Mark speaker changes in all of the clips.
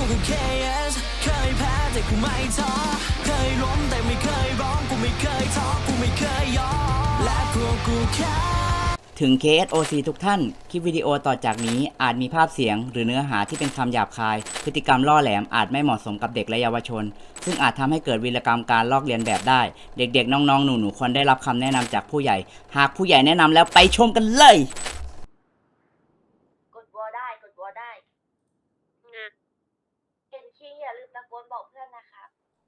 Speaker 1: กูก็ KS เคยแพ้แต่กูไม่ท้อเคยล้มแต่ไม่เคยร้องกูไม่เคยท้อกูไม่เคยยอมและพวกกูแค่ถึง KSOC ทุกท่าน คลิปวิดีโอต่อจากนี้อาจมีภาพเสียงหรือเนื้อหาที่เป็นคำหยาบคาย พฤติกรรมล่อแหลมอาจไม่เหมาะสมกับเด็กและเยาวชน ซึ่งอาจทำให้เกิดวีรกรรมการลอกเลียนแบบได้ เด็กๆ น้องๆ หนูๆ ควรได้รับคำแนะนำจากผู้ใหญ่ หากผู้ใหญ่แนะนำแล้วไปชมกันเลย
Speaker 2: กดวอลได้กดวอลได้เห็นคิงอย่าลืมตะโกนบอกเพื่อนนะคะ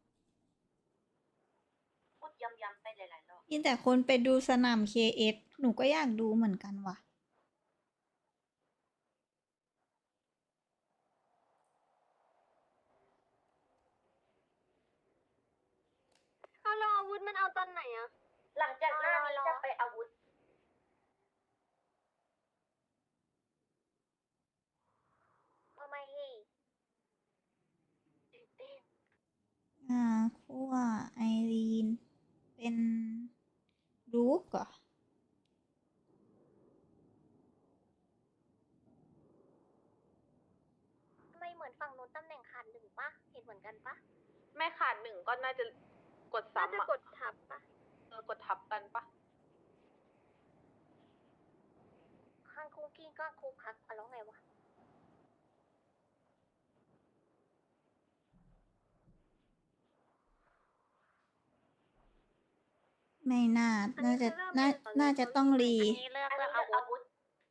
Speaker 2: พูดย้ำๆไปหลายๆรอบ
Speaker 3: มีแต่คนไปดูสนาม KS หนูก็อยากดูเหมือนกันว่ะ
Speaker 4: เอาเราอาวุธมันเอาตอนไหนอะ
Speaker 2: หลังจากหน้านี้จะไปอาวุธ
Speaker 4: ทำไมเฮ้
Speaker 2: ตื่นเต้น
Speaker 3: คั่วไอรีน เป็นลูกเหรอ
Speaker 4: ทำไมเหมือนฝั่งนู้นตำแหน่งขาดหนึ่งปะเห็นเหมือนกันปะ
Speaker 5: ไม่ขาดหนึ่งก็น่าจะกด
Speaker 4: น่าจะ
Speaker 5: ซ้ำอะ
Speaker 4: กดทับปะ
Speaker 5: กดทับกันปะ
Speaker 4: ข้างคุกกี้ก็คุกคักอะแล้วไงวะ
Speaker 3: ไม่น่า น่าจะ น่าจะต้องรี
Speaker 4: อันนี้เลือก
Speaker 2: อัน
Speaker 4: เลื
Speaker 2: นี้
Speaker 4: อก
Speaker 2: เลือก
Speaker 4: อา
Speaker 2: อา
Speaker 4: วุ
Speaker 2: วุ
Speaker 4: ธ
Speaker 2: ธ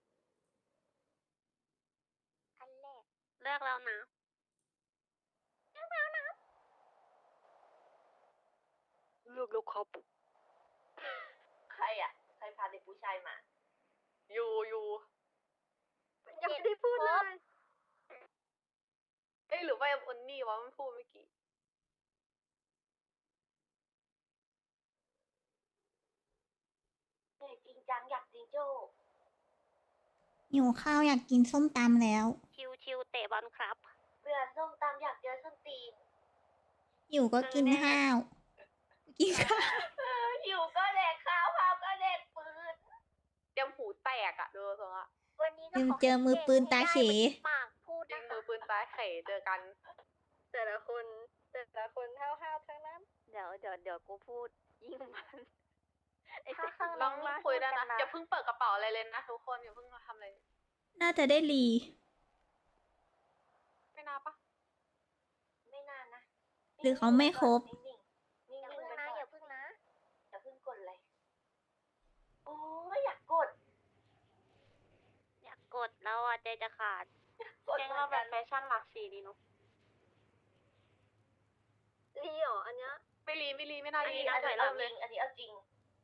Speaker 4: อันแรกเลือกแล้วนะเลือกแล้วนะ
Speaker 5: เลือกแล้วครับ
Speaker 2: ใครอ่ะ ใครพาเด็กผู้ชายมา
Speaker 5: อยู่
Speaker 4: ยังไม่ได้พูดเลย
Speaker 5: เอ้ยหรือว่าเอนนี่วะมันพูดเมื่อกี้
Speaker 2: เด็กจริงจังอยากจริงโจ้
Speaker 3: หิวข้าวอยากกินส้มตำแล้ว
Speaker 4: ชิวๆเตะบอลครับ
Speaker 2: เบื่อส้มตำอยากเจอส้มตีน
Speaker 3: หิวก็กินข้าว กินข้าว
Speaker 2: หิวก็แดกข้าวข้าวก็แดกปืน
Speaker 5: เตรียมหูแตกอะดูทรงอะ
Speaker 4: วันนี้ก็
Speaker 3: ลืม
Speaker 4: ข
Speaker 3: เจอมือปืนตาเข
Speaker 4: ให้ได้ปากพูด
Speaker 5: ยิ
Speaker 4: นะ
Speaker 5: ง
Speaker 4: คะ
Speaker 5: มือปืนตายไข่เจอกัน
Speaker 4: แต่ละคนห้าวๆทั้งนั้น เดี๋ยวกูพูดยิ่งมันไอ้ข้าง
Speaker 5: ลองคุยได้นะอย่าเพิ่งเปิดกระเป๋าอะไรเลยนะทุกคนอย่าเพิ่งทำอะไร
Speaker 3: น่าจะได้รี
Speaker 5: ไม่น่าปะ
Speaker 2: ไม่นานนะ
Speaker 3: หรือเขาไม่ครบ
Speaker 2: นิ่งๆนิ่ง
Speaker 4: อย่า
Speaker 2: ๆ
Speaker 4: พึ่ง
Speaker 2: ไป
Speaker 4: นะ
Speaker 2: ก่อน
Speaker 4: อย่าพึ่งนะ
Speaker 2: อย่าเพิ่งกดเลย โอ้ยอยากกด
Speaker 4: อยากกดแล้วอ่ะใจจะขาด
Speaker 2: กด
Speaker 5: แกง
Speaker 2: เหมื
Speaker 5: เรา
Speaker 2: อน
Speaker 5: แบ
Speaker 2: กับ น
Speaker 5: แฟชั่นหลากสีดีเนาะ
Speaker 4: รีเหรออันเนี้ย
Speaker 5: ไม่รีไม่น่า
Speaker 2: อัน
Speaker 5: รี
Speaker 2: นี้
Speaker 5: น่า
Speaker 2: เอา
Speaker 5: จะ
Speaker 2: จริ
Speaker 5: เริ่
Speaker 2: ง
Speaker 5: มเลย
Speaker 2: อันนี้เอาจริง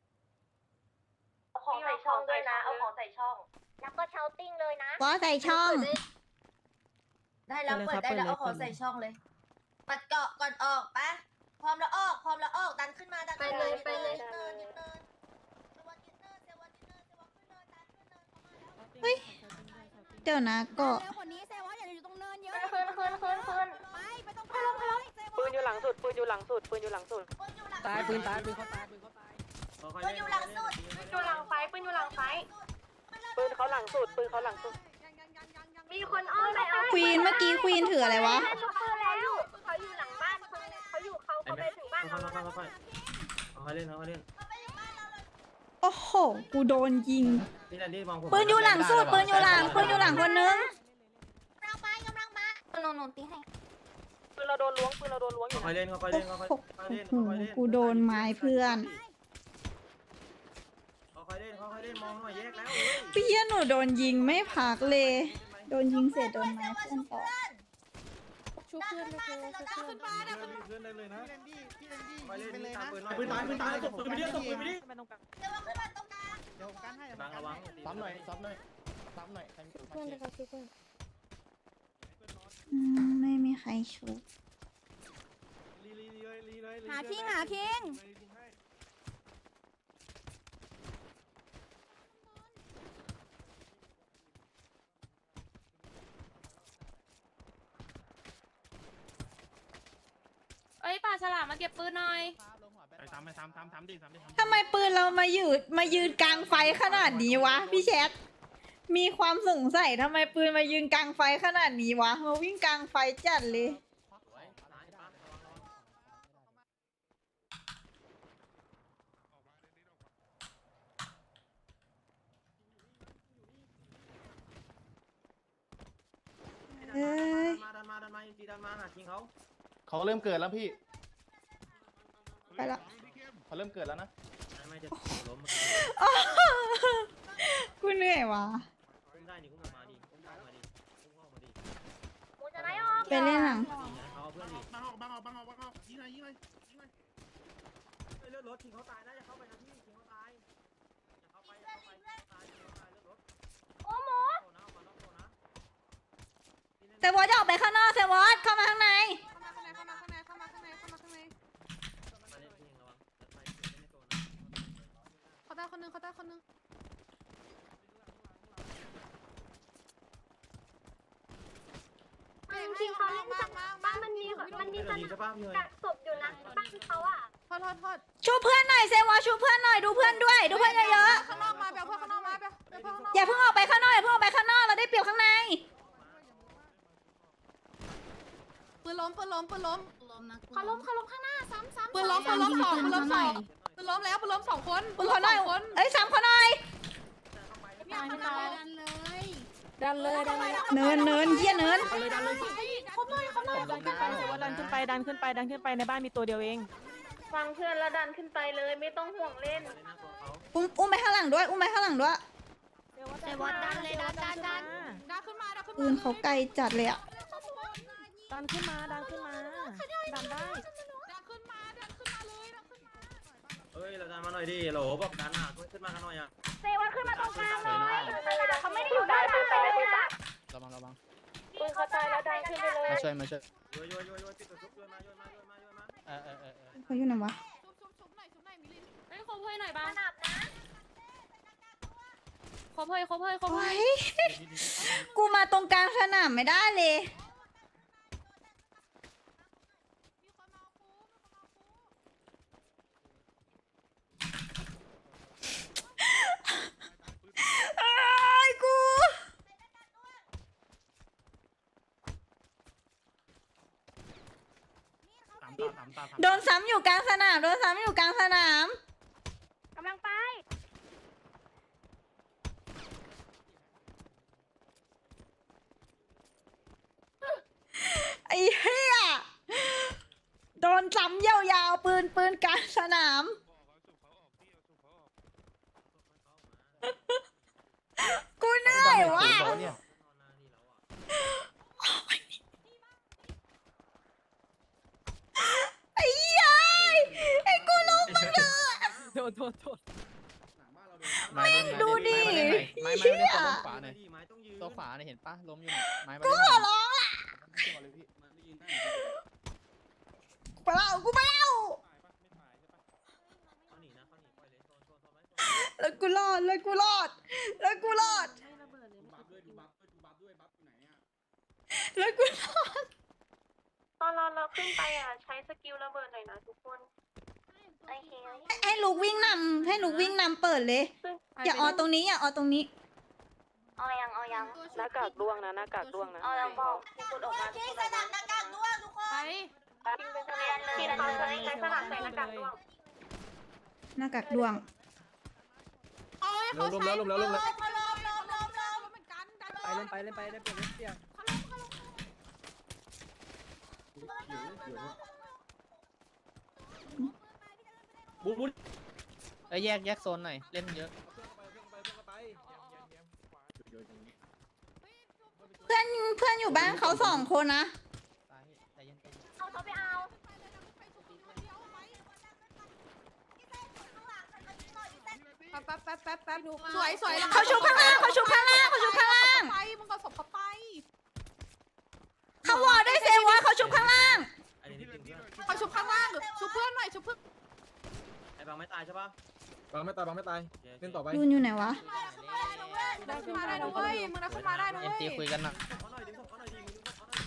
Speaker 2: เอาของใส่ช่องด้วยนะ เอาของใส่ช่อง
Speaker 4: แล้วก็เชาติ้งเลยนะ
Speaker 3: ก็ใส่ช่อง
Speaker 2: ได้แล้วเปิดได้แล้วเอาของใส่ช่องเลย ปัดเกาะก่อนออกปะพร้อมแล้วออก พร้อมแล้วออกดันขึ้นมาดันขึ้นมา
Speaker 4: ไปเลย
Speaker 2: ยืนเนินยืนเนินเซวันยืนเนินเซวันยืนเนินเซวันขึ้นเนินดันขึ้นเนินเข้ามาแล้ว
Speaker 3: เฮ้ย เดี๋ยวนะก็
Speaker 6: เร็วกว่านี้เซวะอย่าอยู่ตรงเนินเยอะ
Speaker 2: ขึ้น
Speaker 6: ไปตรงกลางเลยเซวะ
Speaker 5: ปืนอยู่หลังสุดปืนอยู่หลังสุดปืนอยู่หลังสุด
Speaker 2: ปืนอยู่หลัง
Speaker 7: ตายปืนตายปืนเขาตายปืนเขาตาย
Speaker 2: ปืนอยู่หลังสุด
Speaker 5: ปืนอยู่หลังไฟปืนอยู่หลังไฟปืนเขาหลังสุดปืนเขาหลังสุด
Speaker 4: มีคนอ้อมไปเอา
Speaker 3: ควีนเมื่อกี้ควีนถืออะไรวะ
Speaker 4: ได้ช็อปเปอร์แล้วเขาอยู่หลังบ้านเขาไปถึงบ้านเราแล้วนะ
Speaker 7: ค่อยเล่นค่อยเล่น
Speaker 3: โอ้โห กูโดนยิง
Speaker 7: นี่แหละที่มองผม
Speaker 3: ปืนอยู่หลังสุด ปืนอยู่หลัง ปืนอยู่หลังคนนึง
Speaker 4: กำลังมาหนูตีให้
Speaker 5: ปืนเราโดนล้วงปืนเราโดนล้วงอยู่
Speaker 7: ค่อยเล่นค่อยเล่นค่อยเล่น
Speaker 3: โอ้โหกูโดนไม้เพื่อน
Speaker 7: ค่อยเล่นค่อยเล่นมองหน่อยแยกแล้ว
Speaker 3: เปี้ยหนูโดนยิงไม่พักเลย โดนยิงเสร็จโดนไม้เพื่อนต่อ
Speaker 6: ชุบเพื่อนเลยชุบเพื่อน
Speaker 7: ขึ้นได้เลยนะค่อยเล่น
Speaker 8: ไปเลย
Speaker 7: ตาม
Speaker 8: นะ
Speaker 7: ปืนหน่อย
Speaker 8: ปืนตายปืนตายตบปืนไปดิตบปืนไปดิ
Speaker 2: เซวันขึ้นมาตรงกลาง
Speaker 8: เดี๋ยวกันให้
Speaker 7: บังระวัง
Speaker 8: ซ้ำหน่อยซ้ำหน่อยซ้ำหน่อยใครมีปืน
Speaker 6: เพื่อนเลยค่ะชุบเพื่อน
Speaker 3: ไม่มีใครชุบ
Speaker 6: หาคิง
Speaker 5: เอ้ยป่าฉลามมาเก็บปืนหน่อย
Speaker 8: ไปซ้ำไปซ้ำดิ
Speaker 3: ทำไมปืนเรามายืนกลางไฟขนาดนี้วะพี่แชทมีความสงสัยทำไมปืนมายืนกลางไฟขนาดนี้วะมาวิ่งกลางไฟจัดเลย เอ้ย
Speaker 7: ดันมาจีดันมาหาคิงเขา
Speaker 8: เขาเริ่มเกิดแล้วพี่
Speaker 3: ไปละ
Speaker 8: เขาเริ่มเกิดแล้วนะ
Speaker 7: ไม่จะล้ม
Speaker 3: กูเหนื่อยวะ
Speaker 7: คุ้มได้นี่คุ้มออกมาดิคุ้มออกมาดิคุ้มออกมาดิ
Speaker 4: กูจะได้ออก
Speaker 3: ไปเล่นหนัง
Speaker 7: เขาเพื่อนดิ
Speaker 8: บังออกยิงเลยยิงเลยยิงเลย
Speaker 7: เลือดรถคิงเขาตายนะอย่าเข้าไปนะพี่คิงเขาตายอย่าเข้าไปตายคิงเขาตายเลือดรถ
Speaker 4: โอ้โห
Speaker 7: โตนะมาล็อกโตนะ
Speaker 3: เซวอสจะออกไปข้างนอกเซวอสเข้ามาข้างใน
Speaker 7: มาเล่นคิงระวังจะไปคิงไม่โตนะ
Speaker 6: เขาได้คนนึงเขาได้คนนึง
Speaker 4: คิงเขาเล่นจากบ้านมันมีส
Speaker 7: ใช่ป่ะพี่เฮ้ย
Speaker 4: กักศพอยู่นะบ้านเขาอ่ะ
Speaker 6: โทษโทษโทษ
Speaker 3: ชูเพื่อนหน่อยเซวอสชูเพื่อนหน่อยดูเพื่อนด้วยดูเพื่อนเยอะ
Speaker 6: ข้างนอกมาเบลเพื่อนข้างนอกมาเบลเพื่อนข้างนอก
Speaker 3: ๆอย่าเพิ่งออกไปข้างนอกอย่าเพิ่งออกไปข้างนอกเราได้เปรียบข้างใน
Speaker 6: ปืนล้มปืนล้มปืนล้ม
Speaker 4: เขาล้มข้างหน้าซ้ำ
Speaker 6: ปืนล้มปืนล้มสองปืนล้มสองปืนล้มแล้วปืนล้มสองคน
Speaker 3: ปืนเขาหน่อยเอ้ยซ้ำเขาหน่อย
Speaker 6: ไม่ตาย
Speaker 4: ดันเลย
Speaker 6: ดันเลยดันเลย
Speaker 3: เนินเยี่ยเนิน
Speaker 6: เขาหน่อยดันขึ้นไปเดี๋ยวว่าดันขึ้นไปดันขึ้นไปดันขึ้นไปในบ้านมีตัวเดียวเอง
Speaker 4: ฟังเพื่อนแล้วดันขึ้นไปเลยไม่ต้องห่วงเล่น
Speaker 3: อุ้มไปข้างหลังด้วยอุ้มไปข้างหลังด้วย
Speaker 4: เซวอสดันเลยดัน
Speaker 6: ดันขึ้นมาดันขึ้น
Speaker 3: ปืนเขาไกลจัดเลยอะ
Speaker 6: ดันขึ้นมาดันขึ้นมาดันได้ดันขึ้นมาดันขึ้นมาเลยดันขึ้นมา
Speaker 7: เฮ้ยเราดันมาหน่อยดิโหลบอกดันอ่ะขึ้นมากันหน่อยอ่ะ
Speaker 4: เซวอสขึ้นมาตรงกลางเลยเขาไม่ได้อยู่ด้านหลังเลยนะ
Speaker 8: ระวัง
Speaker 4: ปืนเขาตายแล้วดันขึ้นไปเลย
Speaker 8: มาช่วย
Speaker 7: โยปิดตัวชุบโยนมา
Speaker 3: เขาอยู่ไหนวะ
Speaker 6: ชุบหน่อยมิลิน
Speaker 4: เฮ้ยคบเพื่อนหน่อยบ้านนะ
Speaker 6: คบเฮ้ย
Speaker 3: โอ้ยกูมาตรงกลางสนามไม่ได้เลย
Speaker 6: มีคนมาเอาปู
Speaker 3: ไอ้ยกู
Speaker 8: ตาม
Speaker 3: โดนซ้ำอยู่กลางสนามโดนซ้ำอยู่กลางสนาม
Speaker 4: กำลังไป
Speaker 3: ไอ้เหี้ยโดนซ้ำยาวๆปืนกลางสนาม กูเหนื่อยว่ะไอ้เหี้ยไอ้กูลุกมึงเถอะ
Speaker 6: โทษ
Speaker 3: ดูดิ
Speaker 8: ไม้
Speaker 3: เหี้ย
Speaker 8: ตัวขวาหน่อย
Speaker 7: ไม้ต้องยืน
Speaker 8: ตัวขวาเนี่ยเห็นปะล้มอยู่ไม้
Speaker 3: กูขอร้องล่ะกูไม่เอา
Speaker 7: เขาหนีนะเขาหนีปล่อยเลยโซนไว้
Speaker 3: แล้วกูรอดแล้วกูรอดแล้วกูรอดแล้วกูรอด
Speaker 4: ตอนเราขึ้นไปอ่ะใช้สกิลระเบิดหน่อยนะทุกคนโอเค
Speaker 3: ให้ลูกวิ่งนำให้ลูกวิ่งนำเปิดเลย อย่าออตรงนี้อย่าออตรงนี้
Speaker 4: เอายัง
Speaker 5: หน้ากากด้วงนะหน้ากากด้วงนะ
Speaker 4: เอายังบอกกดออกมา
Speaker 2: ที่สนามหน้ากากด้วยทุกคน
Speaker 6: ไป
Speaker 4: ทีเขาใช้สลับใส่หน้ากากด้วง
Speaker 3: หน้ากากดวง
Speaker 6: โอ้ยเขาใช้
Speaker 8: ล้มแล้ว
Speaker 6: เหมือนกันดัน
Speaker 7: ไปเล่นไปได้เปลี่ยนเปลี่ยน
Speaker 8: บุ๊ดแยกโซนหน่อยเล่นเยอะ
Speaker 3: เพื่อนอยู่บ้านเขา2 คนนะ
Speaker 8: ใจเย็น
Speaker 4: เอาเขาไปเอา
Speaker 6: แป๊บดูสวย
Speaker 3: เขาชุบข้างล่างเขาชุบข้างล่างเขาชุบข้างล่าง
Speaker 6: ไปมึงก็ศพเขาไป
Speaker 3: เขาวอลด้วยเซวอสเขาชุบข้างล่าง
Speaker 7: อันนี้จริงเพื่อน
Speaker 6: เขาชุบข้างล่างชุบเพื่อนหน่อยชุบเพื่อน
Speaker 7: ไอ้บางไม่ตายใช่ป่ะ
Speaker 9: บางไม่ตายเล่นต่อไป
Speaker 3: ยูนอยู่ไหนวะ
Speaker 6: ดันขึ้นมาได้นะเว้ยมึงดันขึ้นมาได้นะ
Speaker 8: เอ็
Speaker 6: เว้
Speaker 8: ม
Speaker 6: ย
Speaker 8: ตีคุยกันนะ
Speaker 7: เขาหน่อยดึงศพเขาหน่อยดิมึงดึงศพเขาหน่อย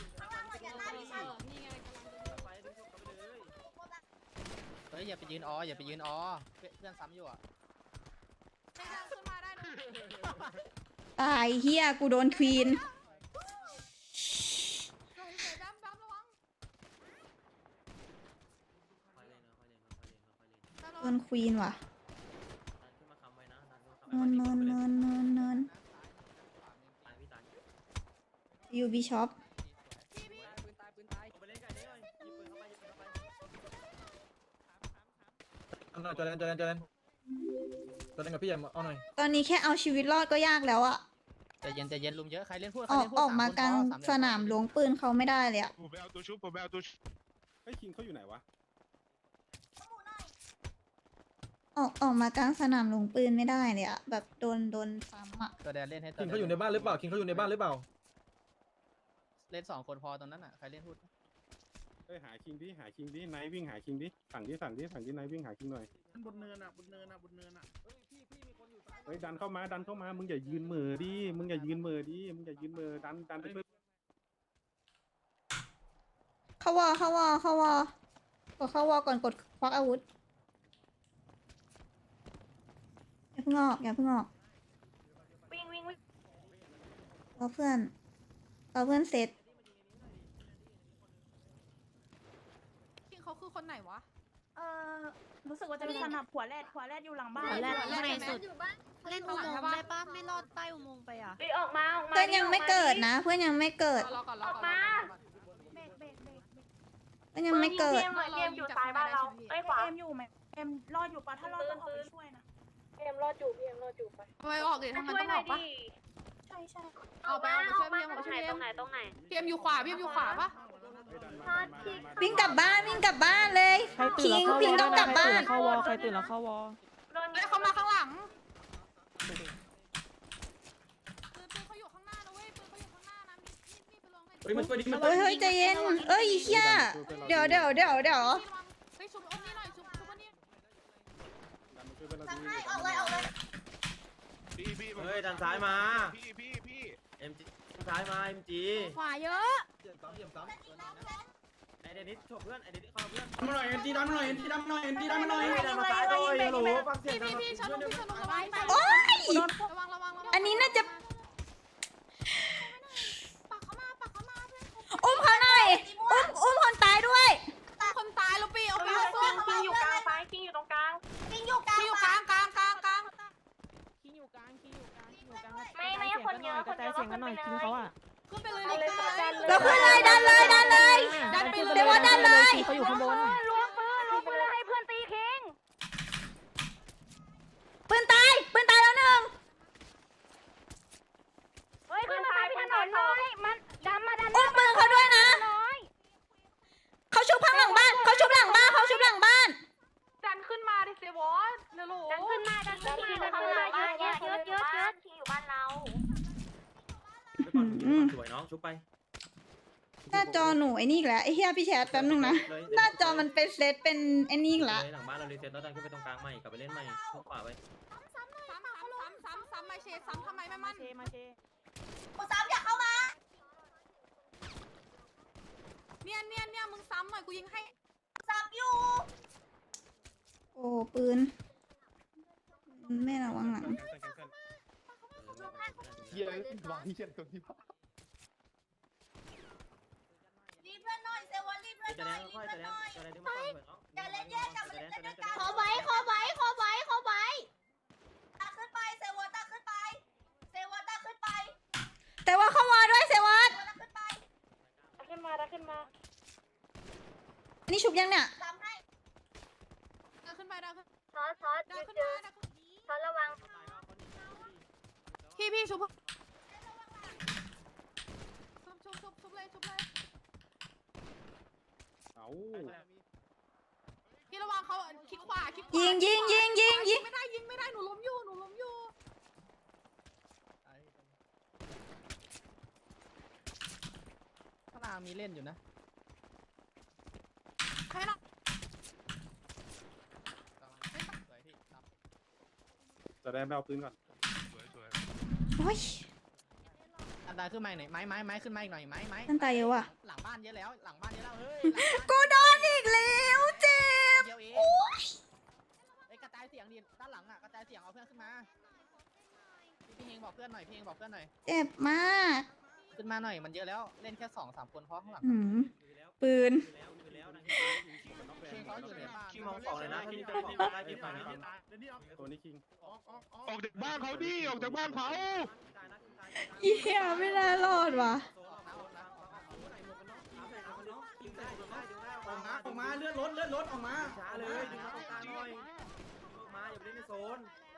Speaker 7: ไปดึงศพเขาไปเลย
Speaker 8: เฮ้ยอย่าไปยืนอย่าไปยืนเพื่อนซ้ำอยู่อ่ะ
Speaker 6: ขึ้นมาได้นะ
Speaker 3: ตายเฮียกูโดนควีน โดนควีนว่ะเนินยูบีช็อป
Speaker 9: เอาหน่อยจอแดนจอแดนจอแดนจอแดนกับพี่ใหญ่เอาหน่อย
Speaker 3: ตอนนี้แค่เอาชีวิตรอดก็ยากแล้วอะ
Speaker 8: ใจเย็นใจเย็นลุมเยอะใครเล่นพูด
Speaker 3: ออกมากลางสนามหลวงปืนเขาไม่ได้เลยอะ
Speaker 10: ผมไปเอาตัวชุบผมไปเอาตัวชุบไอ้คิงเขาอยู่ไหนวะ
Speaker 3: ออกมากลางสนามหลวงปืนไม่ได้เลยอะแบบโดนซ้ำอะ
Speaker 8: ตัวแดนเล่นให้ตัว
Speaker 9: คิงเขาอยู่ในบ้านหรือเปล่าคิงเขาอยู่ในบ้านหรือเปล่า
Speaker 8: เล่น2 คนพอตรงนั้นอ่ะใครเล่นพูด
Speaker 10: เฮ้ยหาคิงดิหาคิงดิไนท์วิ่งหาคิงดิสั่งดิไนท์วิ่งหาคิงหน่อย
Speaker 7: บนเนินอ่ะบนเนินอ่ะบนเนินอ่ะเฮ้ยพี่มีคนอยู่ซ้าย
Speaker 10: เฮ้ยดันเข้ามามึงอย่ายืนเหม่อดิมึงอย่ายืนเหม่อดันไปเพื่อ
Speaker 3: เข้าวอก่อนกดควักอาวุธอย่าเพิ่งออก
Speaker 5: วิ่ง
Speaker 3: รอเพื่อนเสร็จ
Speaker 6: คิงเขาคือคนไหนวะ
Speaker 5: รู้สึกว่าจะเป็นสนับหัวแรดอยู่หลังบ้าน
Speaker 6: แรดในสุด
Speaker 4: เล่นอุโมงค์ได้ปะไม่รอดใต้อุโมงค์ไปอ่ะ
Speaker 5: ออกมา
Speaker 3: เพื่อนยังไม่เกิดนะ เพื่อนยังไม่เกิด
Speaker 6: รอก่อน
Speaker 5: ออกมา
Speaker 3: เพื่อนยังไม่เกิด
Speaker 5: เกมอยู่ซ้ายบ้านเราไอ้ขวา
Speaker 4: เอ็มอยู่ไหมเอ็มรอดอยู่ปะถ้ารอดต้องออกไปช่วยนะ
Speaker 5: เกมรอดอยู่ไป
Speaker 6: ทำไมออกดิทำไม
Speaker 5: ช่วย
Speaker 6: ต้อง
Speaker 5: ห
Speaker 6: อ
Speaker 5: น่อ
Speaker 6: อย กปะ
Speaker 5: ดิ
Speaker 4: ใช่
Speaker 6: เอาไปช่วยพี่เอ็มช่วยพี่เอ็ม
Speaker 5: ตรงไหน
Speaker 6: พี่เอ็มอยู่ขวาปะ
Speaker 3: วิ่งกลับบ้านเลยคิงต้องกลับบ้าน
Speaker 6: เข้าวอใครตื่นแล้วเข้าวอเขามาข้างหลังปืนเขาอยู่ข้างหน้านะเว้ยปืนเขาอยู่ข้างหน้านะมีไปลงให้
Speaker 9: เฮ้ยมันช่วยดิมัน
Speaker 3: เฮ้ยใจเย็นเฮียเดี๋ยว
Speaker 6: เฮ้ยชุบอ้นนี่หน่อยชุบอ้นนี่
Speaker 2: สั่งให้ออกเลย
Speaker 7: เฮ้ยดันซ้ายมา
Speaker 10: พี่
Speaker 7: เอ็มจีซ้ายมาเอ็มจี
Speaker 4: ขวาเยอะ
Speaker 7: ไอเดนิสชกเพื่อนไอเดนิสเข้าเพื่อน
Speaker 9: มาหน่อยเอ็นจีดันมาหน่อยเอ็นจีดันมาหน่อยเอ็นจีดันมาหน่อย
Speaker 7: ดันมาซ้ายเลยฮัลโหลฟังเสียง
Speaker 6: พี่ชนลงระวัง
Speaker 3: โอ๊ย
Speaker 6: ระวัง
Speaker 3: อันนี้น่าจะ
Speaker 6: ปักเข้ามาเพื่อน
Speaker 3: อุ้มเขาหน่อยอุ้มคนตายด้วย
Speaker 6: คนตายแล้วปีเอาไป
Speaker 5: คิงอยู่กลางซ้ายคิงอยู่ตรงกลาง
Speaker 6: คิงอยู่กลางคิงอยู่กลาง
Speaker 5: ไม่คนเยอะก็ขึ้นไปเลย
Speaker 6: ขึ้นไปเลย
Speaker 3: เราขึ้นเลยดันเลย
Speaker 6: ดันไปเลย
Speaker 3: เดี๋ยวว่าดันเลย
Speaker 6: เขาอยู่ข้างบน
Speaker 5: ล้วงปืนให้เพื่อนตีคิง
Speaker 3: ปืนตายแล้วหนึ่ง
Speaker 5: เฮ้ยขึ้นมาตายพี่ถนนเลยมันดันมา
Speaker 3: อุ้มปืนเขาด้วยนะ
Speaker 5: น้อย
Speaker 3: เขาชุบข้างหลังบ้านเขาชุบหลังบ้าน
Speaker 6: ดันขึ้นมาดิเซวอสเร็ว
Speaker 5: ดันขึ้นมาเยอะคิงอยู่บ้านเรา
Speaker 7: สวยน้องชุบไป
Speaker 3: หน้าจอหนูไอ้นี่อีกแล้วไอ้เฮียพี่แชทแป๊บนึงนะหน้าจอมันเป็นเซตเป็นไอ้นี่อีกแล้ว
Speaker 7: หลังบ้านเรารีเซ็ตแล้วดันขึ้นไปตรงกลางใหม่กลับไปเล่นใหม่ทุกขวาไป
Speaker 6: ซ้ำมาเชซ้ำทำไมไม่มั่น
Speaker 2: กูซ้ำอยากเข้ามา
Speaker 6: เนี่ยมึงซ้ำหน่อยกูยิงให้
Speaker 2: ซ้ำอยู่
Speaker 3: โอ้ปืนไม่ระวังหลัง
Speaker 10: เหี้ยวางเหี้ยตรงนี้วะ
Speaker 2: รีบเพื่อนหน่อยเซวอนรีบเพื่อน
Speaker 7: จะ
Speaker 2: หน่
Speaker 7: แด
Speaker 2: อย
Speaker 7: ง
Speaker 2: รีบ
Speaker 7: ค่อย
Speaker 2: เพื่อนหน่อย
Speaker 7: จะแดงจะแดงที่มาเหมือนน้อง
Speaker 2: อย่าเล่นแยกกันมาเล่นด้วยกัน
Speaker 7: ขอไว้
Speaker 2: ตาขึ้นไปเซวอนตาขึ้นไป
Speaker 3: แต่ว่าเข้ามาด้วยเซวัต
Speaker 2: ตาขึ้นไป
Speaker 5: ขึ้นมา
Speaker 3: อันนี้ชุบยังเนี่ย
Speaker 2: ซ้ำให้
Speaker 6: ดันขึ้นไป
Speaker 5: ซอระวัง
Speaker 6: พี่ชุบเลย
Speaker 10: เอา
Speaker 6: พี่ระวังเขาคลิกขวา
Speaker 3: ยิง
Speaker 6: ไม่ได้หนูล้มอยู่
Speaker 8: ข้างล่างมีเล่นอยู่นะ
Speaker 6: ให้หน่อย
Speaker 10: จะได้ไปเอาปืนก่อน
Speaker 3: โอ้ย
Speaker 8: ดันขึ้นมาหน่อยไม้ขึ้นมาอีกหน่อยไม้
Speaker 3: นั่นตายเยอะว่ะ
Speaker 8: หลังบ้านเยอะแล้วเฮ้ย
Speaker 3: กูโดนอีกแล้วเจ็บ
Speaker 8: เดียวเองไอ้กระจายเสียงดิด้านหลังอ่ะกระจายเสียงเอาเพื่อนขึ้นมาพี่เฮงบอกเพื่อนหน่อยพี่เฮงบอกเพื่อนหน่อย
Speaker 3: เจ็บมาก
Speaker 8: ขึ้นมาหน่อยมันเยอะแล้วเล่นแค่2-3คนเพราะข้างหลัง
Speaker 3: หืมปืน
Speaker 8: เฮงเขาอยู่ในบ้าน
Speaker 7: คิงมองสองเลยนะที่จะบอกได้ที่ฝ่ายนะ
Speaker 10: ตัวนี้คิง
Speaker 9: ออกจากบ้านเขาดิออกจากบ้านเขา
Speaker 3: เหี้ยไม่น่ารอดว่ะ
Speaker 7: ออกมาเลื่อนรถออกมาช้าเลยดึงมาตรงกลางหน่อยออกมาอย่าไปเล่นในโซน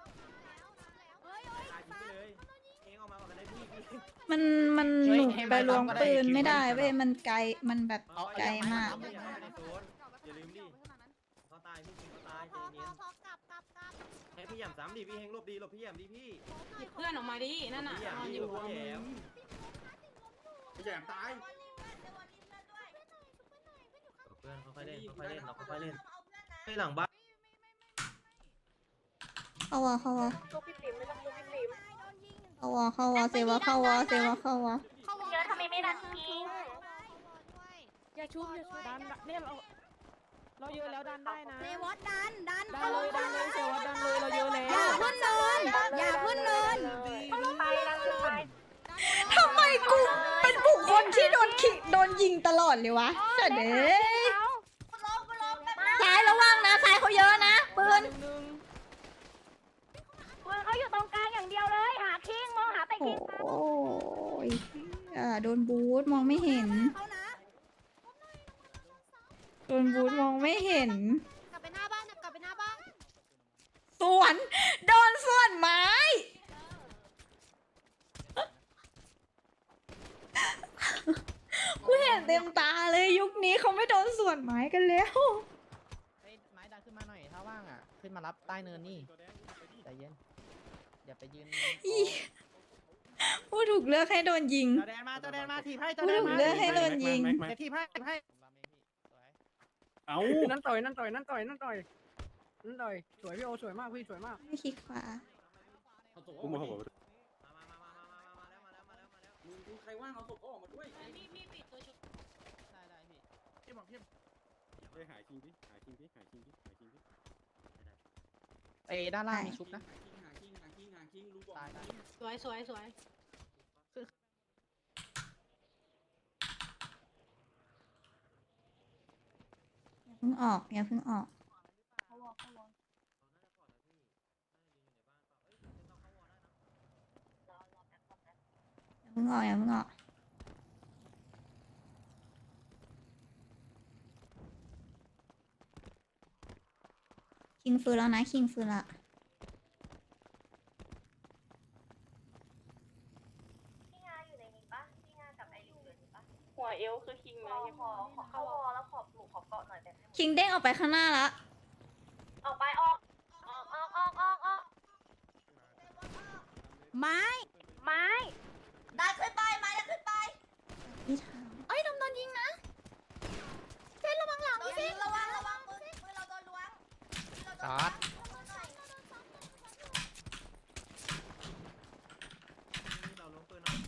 Speaker 7: ตายทิ้งไปเลยเองออกมาก่อนกันได้พี่
Speaker 3: มันหนูไปลวงปืนไม่ได้เว้ยมันไกลมันแบบไกลมาก
Speaker 7: อย่าในโซนอย่าลืมดิเขาตายพี่คิงเขาตายใจเย็นให้พี่หย่ำซ้ำดิพี่เฮงหลบดีหลบพี่หย่ำดิพี่
Speaker 6: เพื่อนออกมาดินั่นน่ะ
Speaker 7: พี่หย่ำดิหลบพี่แย่พี่แย่ตายเพื่อนค่อยๆเล่นเราค่อยๆเล่นให้หลังบ้าน
Speaker 3: เข้าวะเข้าวะ
Speaker 5: ลูกพี่ติ๋มไม่ต้องลูกพี่ติ๋ม
Speaker 3: เข้าวะเซวะเข้าวะเซวะเข้าวะ
Speaker 4: เยอะทำไมไม่ดันทิ้ง
Speaker 6: อย่าชุบดันเนี่ยเราเยอะแล้วดันได้นะ
Speaker 3: เซวะดัน
Speaker 6: ดันเลยเซวัตดันเลยเราเยอะแล้ว
Speaker 3: อย่าเพิ่งเนินอย่าเพิ่งเนิน
Speaker 4: ไปดันไป
Speaker 3: ทำไมกูเป็นบุคคลที่โดนยิงตลอดเลยวะเจ๋เด้ซ้ายระวังนะซ้ายเขาเยอะนะปืน
Speaker 4: ปืนเขาอยู่ตรงกลางอย่างเดียวเลย หาคิงมองหาแต่คิง
Speaker 3: โอ้ยโดนบูทมองไม่เห็นโดนบูทมองไม่เห็น
Speaker 6: กลับไปหน้าบ้านกลับไปหน้าบ้าน
Speaker 3: สวนโดนส่วนไม้กูเห็นเต็มตาเลยยุคนี้เขาไม่โดนส่วนไม้กันแล้ว
Speaker 8: เฮ้ยไม้ดันขึ้นมาหน่อยถ้าว่างอ่ะขึ้นมารับใต้เนินนี่ใจเย็นอย่าไปยืน
Speaker 3: อีผู้ถูกเลือกให้โดนยิง
Speaker 8: จอแดนมาถีบให้จอ
Speaker 3: ผู้
Speaker 8: แดน
Speaker 3: ถูก
Speaker 8: มา
Speaker 3: เลือกให้โดนยิง
Speaker 8: เดี๋ยวถีบให้สวย
Speaker 10: เอา
Speaker 7: นั่นต่อยสวยพี่โอสวยมากพี่สวยมาก
Speaker 3: ไม่คลิกขวา
Speaker 10: กูมาบอก
Speaker 7: ใครว่างเอาศพออกมาด้วย
Speaker 8: ได้พี่
Speaker 10: ไปหาคิงดิหาคิงดิ
Speaker 8: เอ้ด้านล่างมีชุบนะ
Speaker 7: หาคิงรู้บอก
Speaker 8: ตาย
Speaker 6: สวย
Speaker 3: อย่าเพิ่งออกอย่าเพิ่งออกคิงฟื้นแล้วนะคิงฟื้นละ
Speaker 4: พี่งาอยู่ในนี้ปะพี่งากับไอริวอยู่ในนี้ปะ
Speaker 5: หัวเอวคือคิงนะยัง
Speaker 4: ขอเข้าวอแล้วขอปลูกขอเกาะหน่อยแบบ
Speaker 3: คิงเด้งออกไปข้างหน้าละ
Speaker 4: ออกไปออกไม้
Speaker 2: ได้ขึ้นไปมาได้ขึ้นไป
Speaker 3: นี่ทางเอ้ยโดนยิงนะเซนระวังหลัง
Speaker 2: โดนยิงระวังปืนเราโดนล้วง
Speaker 8: จอด
Speaker 7: เราลงปืนหน่อย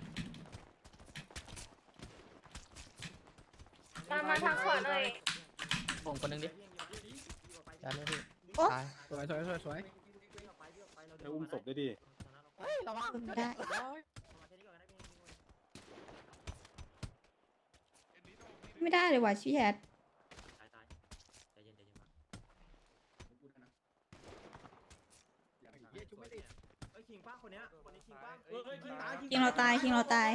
Speaker 5: ตามมาทางขวาหน่อย
Speaker 8: ผมคนนึงดิจัดเลยพี่
Speaker 3: โอ๊ะ
Speaker 8: ตาย
Speaker 9: สวย
Speaker 10: จะอุ้มศพได้ดิ
Speaker 8: เฮ้ยระวัง
Speaker 3: ไม่ได้ ไม่ได้เลยว่ะชี้แฮด
Speaker 7: ตายใจเย็นมาเอ้ยคิงป้าคนนี้คิงป้าคิงตาย
Speaker 3: คิงเราตายคิงเราตาย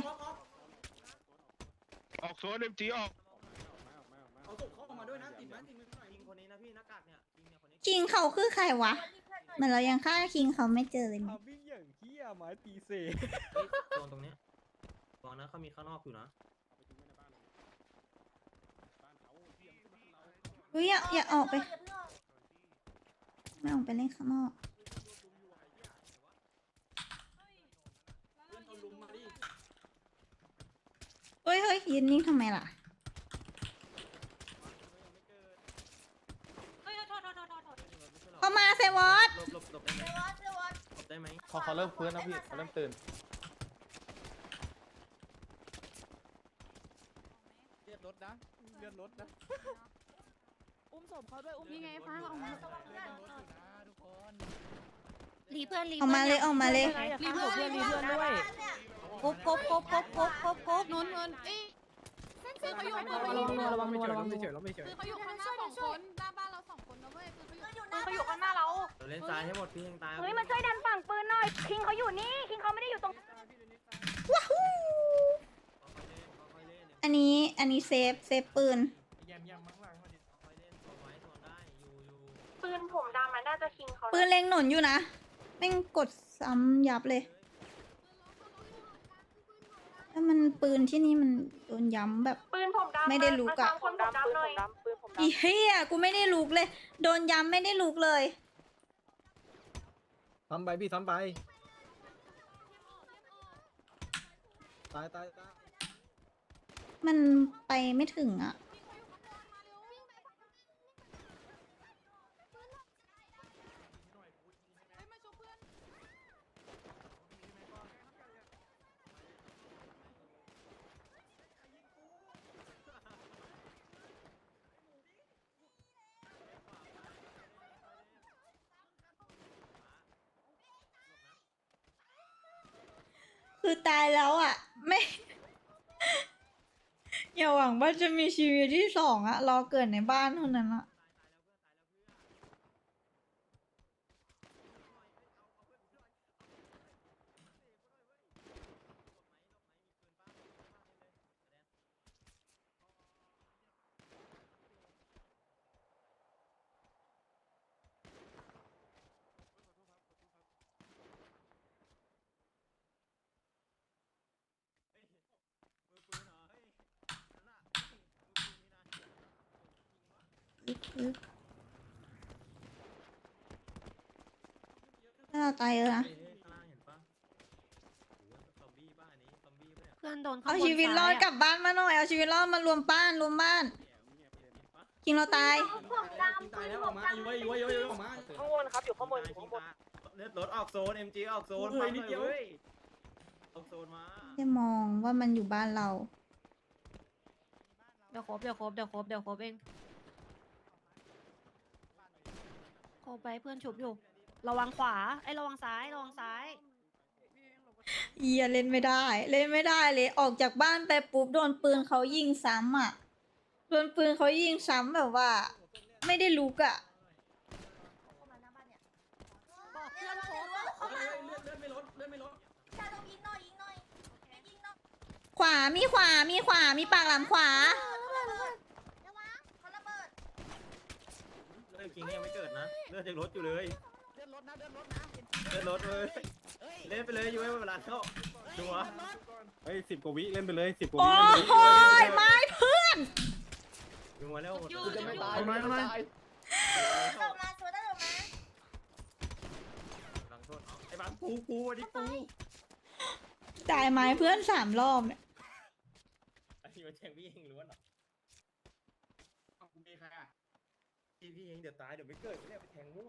Speaker 9: ออกโซนเอ็มจีออก
Speaker 7: เอาศพเข้ามาด้วยนะติดไหมคิงคนนี้นะพี่หน้ากากเนี่ยคิงเนี่ยคนนี้
Speaker 3: คิงเขาคือใครวะเหมือนเรายังฆ่าคิงเขาไม่เจอเลยมั้ย
Speaker 7: วิ่งอย่างเหี้ยไม้ตีเสโซนตรงเนี้ยบอกนะเขามีข้างนอกอยู่นะ
Speaker 3: อุ้ยอย่าออกไปไม่ออกไปเล่นข้างนอกเฮ้ยยืนนิ่งทำไมล่ะ เข้ามาเซวอส
Speaker 7: หลบได้ไหมหลบได้ไหม
Speaker 9: เขาเริ่มฟื้นแล้วพี่เขาเริ่มตื่น
Speaker 8: เลือดรถนะ
Speaker 6: อุ้มศพเขาด้วยอุ้มนี่ไงฟ้าเอามา
Speaker 8: ทุกคน
Speaker 6: รีเพื่อนรี
Speaker 3: ออกมาเลยออกมาเลย
Speaker 6: รีเพื่อนรีเพื่อนด้วยกบนู้นคือเขาอยู่ระวังเฉยคือเขาอยู่ข้างหน้า2 คนหน้าบ้านเรา2 คนนะเว้ยคือเขาอยู่ข้างหน้าเรา
Speaker 7: เล่นซ้ายให้หมดพี่เฮงตาย
Speaker 4: เฮ้ยมาช่วยดันฝั่งปืนหน่อยคิงเขาอยู่นี่คิงเขาไม่ได้อยู่ตรง
Speaker 3: อันนี้เซฟปืน
Speaker 5: ปืนผมดำมันน่าจะคิงเขา
Speaker 3: ปืนเล็งหนุนอยู่นะแม่งกดซ้ำยับเลยแล้วมันปืนที่นี่มันโดนย้ำแบบ
Speaker 5: ปืนผมดำ
Speaker 3: ไม่ได้ลุกอะ
Speaker 5: ปืนผมดำหน่อยปืนผมดำ
Speaker 3: อีเฮียกูไม่ได้ลุกเลย โดนย้ำไม่ได้ลุกเลย
Speaker 9: ซ้ำไปพี่ซ้ำไปตายตายตาย
Speaker 3: มันไปไม่ถึงอ่ะ คือตายแล้วอ่ะ ไม่ อย่าหวังว่าจะมีชีวิตที่2อ่ะ รอเกิดในบ้านเท่านั้นอ่ะ ถ้าเราตายเยอะนะ
Speaker 6: เพื่อนโดน
Speaker 3: เอาชีวิตรอดกลับบ้านมาหน่อย เอาชีวิตรอดมารวมบ้านคิงเราตาย
Speaker 4: ผมดำปืนผมดำ
Speaker 5: ข้างบนครับอยู่ข้างบนอยู่ข้างบน
Speaker 7: เลือดรถออกโซน MG ออกโซนไปนิดเดียวเว้ยออกโซนมา
Speaker 3: จะมองว่ามันอยู่บ้านเรา
Speaker 6: เดี๋ยวครบเองโคไปเพื่อนฉุบอยู่ระวังขวาระวังซ้าย
Speaker 3: เอียเล่นไม่ได้ เล่นไม่ได้เลยออกจากบ้านไปปุ๊บโดนปืนเขายิงซ้ำอ่ะ โดนปืนเขายิงซ้ำแบบว่า ไม่ได้ลุกอ่ะ
Speaker 6: บอกเพื่อนโคบ
Speaker 7: เลือดไม่ลด
Speaker 2: ชาลงยิงหน่อยยิงหน่อยยิงหน่อย
Speaker 3: ขวามีปากหลังขวา
Speaker 2: เขาระเบิด
Speaker 7: เลือดคิงยังไม่เกิดนะเลือดยังลดอยู่เลยเลือดลดเลยเล่นไปเลยอยู่ไว้เวลาเข้าดูวะ
Speaker 10: เฮ้ย10 กว่าวิเล่นไปเลย10 กว่า
Speaker 3: โอ้
Speaker 10: วิ
Speaker 3: โหไม่เพื่อน
Speaker 7: ดูมาแล้วหมด
Speaker 9: จะไม่ตาย
Speaker 10: เอามา
Speaker 2: ลงมาสวยได้ลงมา
Speaker 7: หลังโทษไอ้บ้านปูอันนี้ปู
Speaker 3: จ่ายไม้เพื่อน3 รอบเนี่ย
Speaker 7: ไอ้ที่มาแทงพี่เฮงล้วนหรอพี่เฮงเดี๋ยวตายเดี๋ยวไม่เกิดเนี่ยไปแทงมั่ว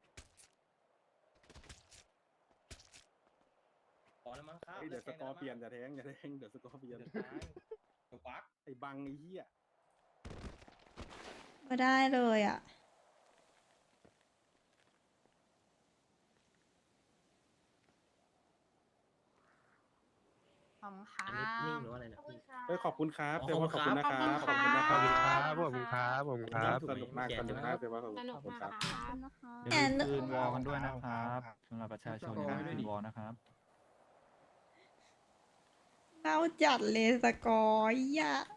Speaker 7: พอแล้วมั้งครับ
Speaker 10: เดี๋ยวสกอร์เปลี่ยนอย่าแทงเดี๋ยวสกอร์เปลี่ยนปักไอ้บังไอ้เหี้ย
Speaker 3: ก็ได้เลยอ่ะ
Speaker 6: ขอบคุณค่ะ
Speaker 7: อันนี้นิ่งหรือว่าอะไรเนี่ย
Speaker 10: เฮ้ยขอบคุณครับเซว่าขอบคุณนะครับ
Speaker 6: ขอบคุณค่ะ
Speaker 10: ขอบคุณครับสนุกมากเซว่าขอบคุณครับ
Speaker 3: อย่าลื
Speaker 11: คื
Speaker 3: ม
Speaker 11: นวอลกันด้วยนะครับสำหรับประชาชนนะคืนวอลนะครับ
Speaker 3: เน่าจัดเลยสกอร์อ่ะ